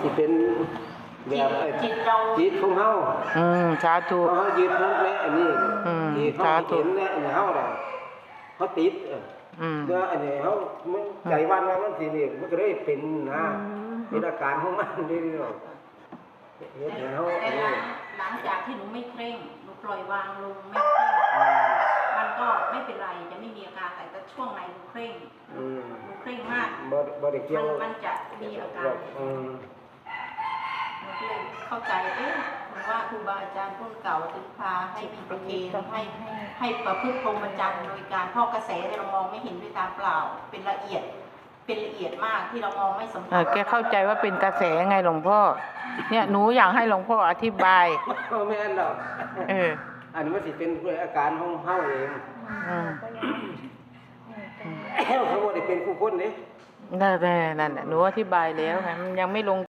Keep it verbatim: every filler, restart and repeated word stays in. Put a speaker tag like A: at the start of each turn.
A: สิเป็นแบบจิตเราจิตของเฮา
B: อืมสาธุ
A: เฮายึดนั่นแหละอันนี้ที่เฮาเห็นแหละอันนี้เฮาน่ะเฮาติด
B: อืม
A: เมื่ออันนี้เฮามันใจวันว่ามันสินี่มันก็เลยเป็นนะเป็นอาการของมันนี่เนาะเฮ็ดให้เฮาอันนี้
C: หลังจากที่หนูไม่เคร่งหนูปล่อยวางลงไม่เคร่งมันก็ไม่เป็นไรจะไม่มีอาการแต่ช่วงไหนหนูเคร่งหนูเคร่งมากมันมันจะมีอาการหนูก็เลยเข้าใจเอ๊ะหนูว่าครูบาอาจารย์รุ่นเก่าถึงพาให้มีประเคนให้ให้ประพฤติพรหมจรรย์โดยการพ่อกระแสเรามองไม่เห็นด้วยตาเปล่าเป็นละเอียดเป็นละเอียดมากที่เรามองไม่สัมผัส
B: แกเข้าใจว่าเป็นกระแสไงหลวงพ่อเนี่ยหนูอยากให้หลวงพ่ออธิบาย
A: แม่นหรอก
B: เออ
A: อันนี้มันสิเป็นอาการของเฮาเองเขาบ่ได้เป็นผู้คนนี่
B: นั่นแหละนั่นแหละหนูอธิบายแล้วไงมันยังไม่ลง